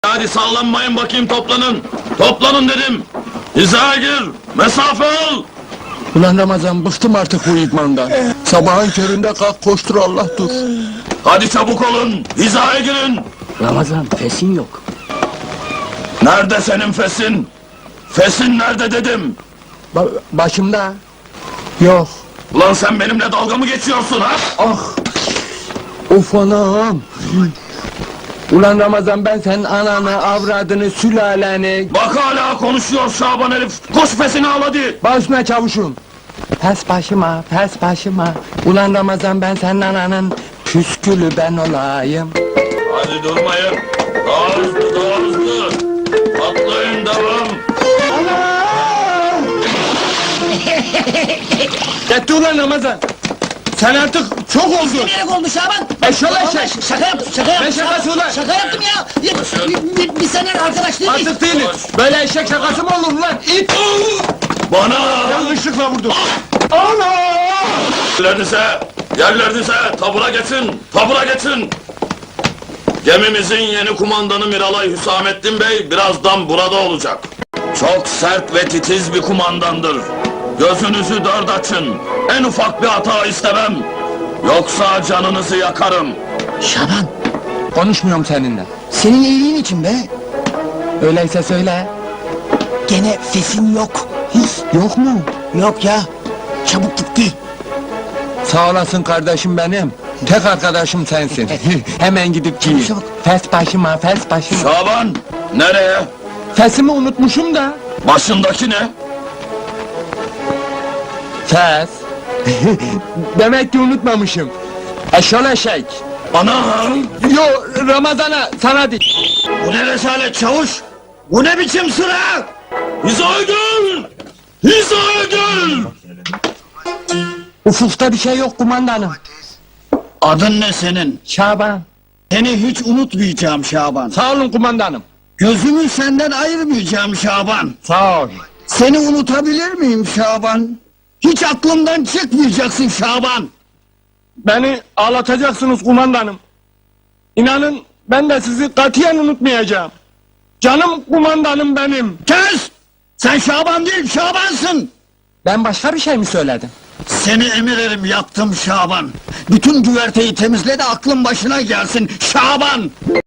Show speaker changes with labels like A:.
A: Hadi sallanmayın bakayım, toplanın. Toplanın dedim. Hizaya gir. Mesafe al.
B: Ulan Ramazan, bıktım artık bu idmandan. Sabahın köründe kalk koştur, Allah dur.
A: Hadi çabuk olun. Hizaya girin.
C: Ramazan, fesin yok.
A: Nerede senin fesin? Fesin nerede dedim.
B: Başımda. Yok.
A: Ulan sen benimle dalga mı geçiyorsun ha?
B: Ah! Of anam! Ulan Ramazan, ben senin ananı, avradını, sülaleni...
A: Bak hala konuşuyor Şaban herif. Koş fesini al hadi.
B: Başına çavuşum! Pes başıma, pes başıma! Ulan Ramazan, ben senin ananın püskülü ben olayım!
A: Hadi durmayın. Daha hızlı, daha hızlı. Atlayın, devam.
B: Yetti ulan Ramazan! Sen artık çok oldun!
D: Bilerek oldu Şaban!
B: Eşşoğlu eşek!
D: Vallahi şaka yaptım, şaka yaptım!
B: Ne şakası ulan?
D: Şaka yaptım ya! Bir sene arkadaş değil miyiz?
B: Artık değiliz! Böyle eşek şakası mı olur lan? İt!
A: Bana!
B: Yanlışlıkla vurdum! Ana!
A: Yerlerinize, tabura geçin, tabura geçin! Gemimizin yeni kumandanı Miralay Hüsamettin Bey birazdan burada olacak. Çok sert ve titiz bir kumandandır. Gözünüzü dört açın, en ufak bir hata istemem. Yoksa canınızı yakarım.
D: Şaban,
B: Konuşmuyorum seninle.
D: senin iyiliğin için be!
B: Öyleyse söyle.
D: Gene fesin yok!
B: Yok mu?
D: Yok ya! Çabuk gitti!
B: Sağ olasın kardeşim benim. Tek arkadaşım sensin. Hemen gidip giyin.
D: Çabuk.
B: Fes başıma, fes başıma.
A: Şaban, nereye?
B: Fesimi unutmuşum da.
A: Başındaki ne?
B: Fes. Demek ki unutmamışım. Eşol eşek.
A: Anam!
B: Yo, Ramazan'a, sana değil.
A: Bu ne rezalet çavuş? Bu ne biçim sıra? Hizaya gel! Hizaya gel!
B: Ufukta bir şey yok kumandanım.
E: Adın ne senin?
B: Şaban.
E: Seni hiç unutmayacağım Şaban.
B: Sağ olun kumandanım.
E: Gözümü senden ayırmayacağım Şaban.
B: Sağ ol.
E: Seni unutabilir miyim Şaban? Hiç aklımdan çıkmayacaksın Şaban.
B: Beni ağlatacaksınız kumandanım. İnanın ben de sizi katiyen unutmayacağım. Canım kumandanım benim.
E: Kes! Sen Şaban değil Şabansın.
B: Ben başka bir şey mi söyledim?
E: Seni emirerim yaptım Şaban. Bütün güverteyi temizle de aklın başına gelsin Şaban.